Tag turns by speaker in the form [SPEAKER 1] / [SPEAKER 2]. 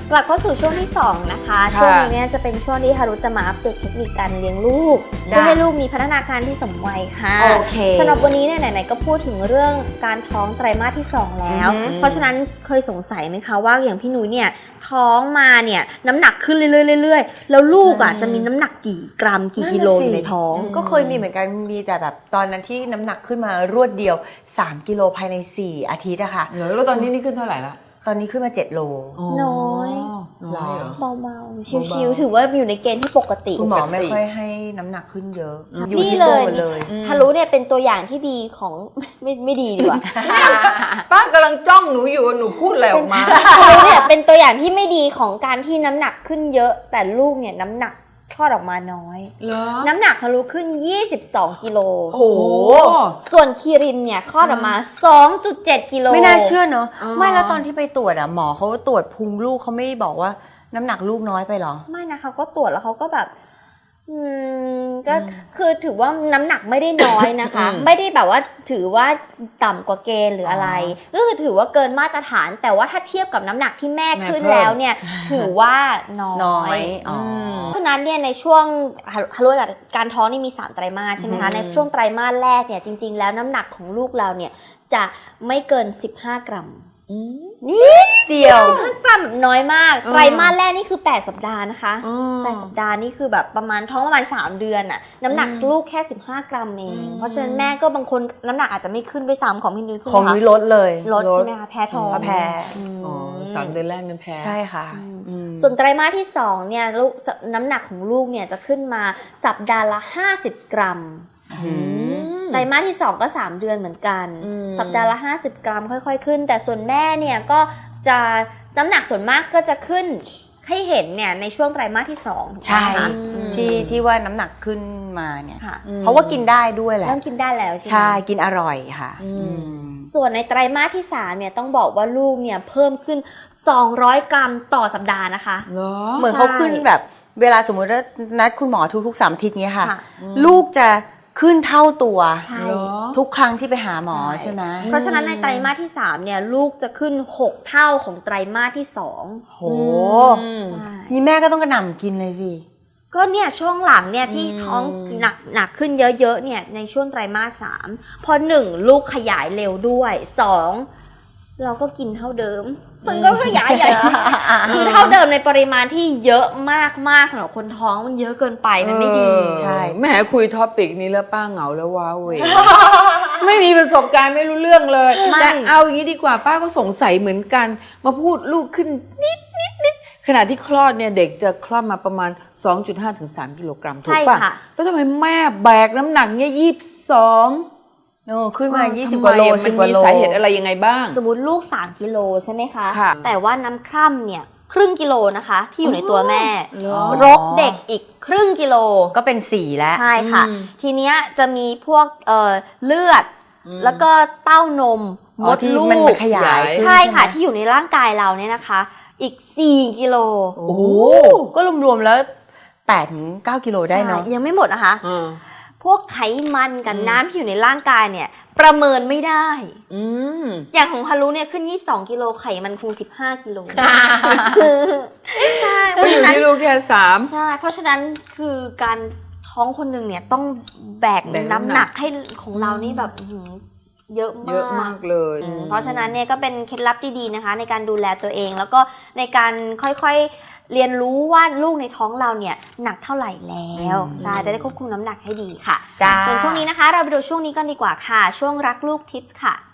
[SPEAKER 1] กลับเข้าสู่ช่วงที่2นะคะช่วงนี้เนี่ยจะเป็นช่วงที่ฮารุจะมาอัปเดตเทคนิคการเลี้ยงลูกเพื่อให้ลูกมีพัฒนาการที่สมวัยค่ะ
[SPEAKER 2] โอเค
[SPEAKER 1] สำหรับวันนี้เนี่ยไหนๆก็พูดถึงเรื่องการท้องไตรมาสที่2แล้วเพราะฉะนั้นเคยสงสัยไหมคะว่าอย่างพี่นุ้ยเนี่ยท้องมาเนี่ยน้ำหนักขึ้นเรื่อยๆแล้วลูกอ่ะจะมีน้ำหนักกี่กรัมกี่กิโลอยู่ในท้อง
[SPEAKER 2] ก็เคยมีเหมือนกันมีแต่แบบตอนนั้นที่น้ำหนักขึ้นมารวดเดียว3กิโลภายใน4อาทิตย์อะค่ะ
[SPEAKER 3] แล้วตอนนี้นี่ขึ้นเท่าไหร่ละ
[SPEAKER 2] ตอนนี้ขึ้นมา7โล
[SPEAKER 1] น้อย
[SPEAKER 3] เหรอ
[SPEAKER 1] เบาๆชิวๆถือว่าอยู่ในเกณฑ์ที่ปกติ
[SPEAKER 2] คุณหมอไม่ค่อยให้น้ำหนักขึ้นเยอะอยู่
[SPEAKER 1] นี่
[SPEAKER 2] ที่
[SPEAKER 1] เลยฮารุเนี่ยเป็นตัวอย่างที่ดีของ ไม่ดีดีกว่า
[SPEAKER 3] ป้ากำลังจ้องหนูอยู่หนูพูดอะไรออกมา
[SPEAKER 1] ฮารุเนี่ยเป็นตัวอย่างที่ไม่ดีของการที่น้ำหนักขึ้นเยอะแต่ลูกเนี่ยน้ำหนักคลอดออกมาน้อยน้ำหนักฮารุขึ้น22กิโล
[SPEAKER 2] โอ้โห
[SPEAKER 1] ส่วนคีรินเนี่ยคลอดออกมา 2.7 กิโล
[SPEAKER 2] ไม่น่าเชื่อเนอะไม่แล้วตอนที่ไปตรวจอะหมอเขาตรวจพุงลูกเขาไม่บอกว่าน้ำหนักลูกน้อยไปหรอ
[SPEAKER 1] ไม่นะเขาก็ตรวจแล้วเขาก็แบบก็คือถือว่าน้ำหนักไม่ได้น้อยนะคะ ไม่ได้แบบว่าถือว่าต่ำกว่าเกณฑ์หรืออะไรก็คือถือว่าเกินมาตรฐานแต่ว่าถ้าเทียบกับน้ำหนักที่แม่ขึ้นแล้วเนี่ยถือว่าน้อยฉะนั้นเนี่ยในช่วงฮารุการท้องนี่มี3ไตรมาสใช่ไหมคะในช่วงไตรมาสแรกเนี่ยจริงๆแล้วน้ำหนักของลูกเราเนี่ยจะไม่เกิน15กรัม
[SPEAKER 2] นิดเดียว
[SPEAKER 1] 15กรัมน้อยมากไตรมาสแรกนี่คือ8สัปดาห์นะคะ8สัปดาห์นี่คือแบบประมาณท้องประมาณ3เดือนอะน้ำหนักลูกแค่15กรัมเองเพราะฉะนั้นแม่ก็บางคนน้ำหนักอาจจะไม่ขึ้นด้วยซ้ำของพี่นุ้ยขึ้น
[SPEAKER 2] ของนุ้ยลดเลย
[SPEAKER 1] ลดใช่ไหมคะแพ้ท้อง
[SPEAKER 2] แพ้
[SPEAKER 3] 3เดือนแรกนั้นแพ้
[SPEAKER 2] ใช่ค่ะ
[SPEAKER 1] ส่วนไตรมาสที่2เนี่ยลูกน้ำหนักของลูกเนี่ยจะขึ้นมาสัปดาห์ละ50กรัมไตรมาสที่2ก็3เดือนเหมือนกันสัปดาห์ละ50กรัมค่อยๆขึ้นแต่ส่วนแม่เนี่ยก็จะน้ำหนักส่วนมากก็จะขึ้นให้เห็นเนี่ยในช่วงไตรมาสที่2
[SPEAKER 2] ใช่ที่ว่าน้ำหนักขึ้นมาเนี่ยเพราะว่ากินได้ด้วยแหละ
[SPEAKER 1] เริ่มกินได้แล้วใช่ไหม
[SPEAKER 2] ใช่กินอร่อยค่ะ
[SPEAKER 1] ส่วนในไตรมาสที่3เนี่ยต้องบอกว่าลูกเนี่ยเพิ่มขึ้น200กรัมต่อสัปดาห์นะคะ
[SPEAKER 2] เหมือนเขาขึ้นแบบเวลาสมมติว่านัดคุณหมอทุกๆ3อาทิตย์เนี้ยค่ะลูกจะขึ้นเท่าตัวทุกครั้งที่ไปหาหมอใช่ไหม
[SPEAKER 1] เพราะฉะนั้นในไตรมาสที่3เนี่ยลูกจะขึ้น6เท่าของไตรมาสที่2
[SPEAKER 2] โหนี่แม่ก็ต้องกระหน่ำกินเลยสิ
[SPEAKER 1] ก็เนี่ยช่วงหลังเนี่ยที่ท้องหนักขึ้นเยอะๆเนี่ยในช่วงไตรมาส3พอ1ลูกขยายเร็วด้วย2เราก็กินเท่าเดิมมันก็ขยายใหญ่คือเท่าเดิมในปริมาณที่เยอะมากๆสำหรับคนท้องมันเยอะเกินไปมันไม่ดี
[SPEAKER 2] ใช่
[SPEAKER 3] แม่คุยท็อปิกนี้แล้วป้าเหงาแล้วว้าเวไม่มีประสบการณ์ไม่รู้เรื่องเลยแต่เอาอย่างนี้ดีกว่าป้าก็สงสัยเหมือนกันมาพูดลูกขึ้นนิดขณะที่คลอดเนี่ยเด็กจะคลอดมาประมาณ 2.5 ถึง 3 กิโลกรัมถูกป่ะแล้วทำไมแม่แบกน้ำหนักเนี่ย22
[SPEAKER 2] ขึ้นมา20กว่าโล10กว่าโล
[SPEAKER 3] มีสาเหตุอะไรยังไงบ้าง
[SPEAKER 1] สมมติลูก3กิโลใช่ไหมคะแต่ว่าน้ำคร่ำเนี่ยครึ่งกิโลนะคะที่อยู่ในตัวแม่รกเด็กอีกครึ่งกิโล
[SPEAKER 2] ก็เป็น4แล้ว
[SPEAKER 1] ใช่ค่ะทีเนี้ยจะมีพวกเลือดแล้วก็เต้านมมดลูก
[SPEAKER 2] มันขยาย
[SPEAKER 1] ใช่ค่ะที่อยู่ในร่างกายเราเนี่ยนะคะอีก4กิโล
[SPEAKER 2] โอ้โหก็รวมๆแล้ว8-9 กิโลได้เนาะ
[SPEAKER 1] ยังไม่หมดนะคะพวกไขมันกับน้ำที่อยู่ในร่างกายเนี่ยประเมินไม่ได้อย่างของฮารุเนี่ยขึ้น22กิโลไขมันคง15กิโลใช่
[SPEAKER 3] เพราะอยู่ที่ลูกแค่3
[SPEAKER 1] ใช่เพราะฉะนั้นคือการท้องคนหนึ่งเนี่ยต้องแบกน้ำหนักให้ของเรานี่แบบเยอะ
[SPEAKER 3] มากเลย
[SPEAKER 1] เพราะฉะนั้นเนี่ยก็เป็นเคล็ดลับดีๆนะคะในการดูแลตัวเองแล้วก็ในการค่อยๆเรียนรู้ว่าลูกในท้องเราเนี่ยหนักเท่าไหร่แล้วใช่ได้ควบคุมน้ำหนักให้ดีค่ะส่วนช่วงนี้นะคะเราไปดูช่วงนี้กันดีกว่าค่ะช่วงรักลูกทิปส์ค่ะ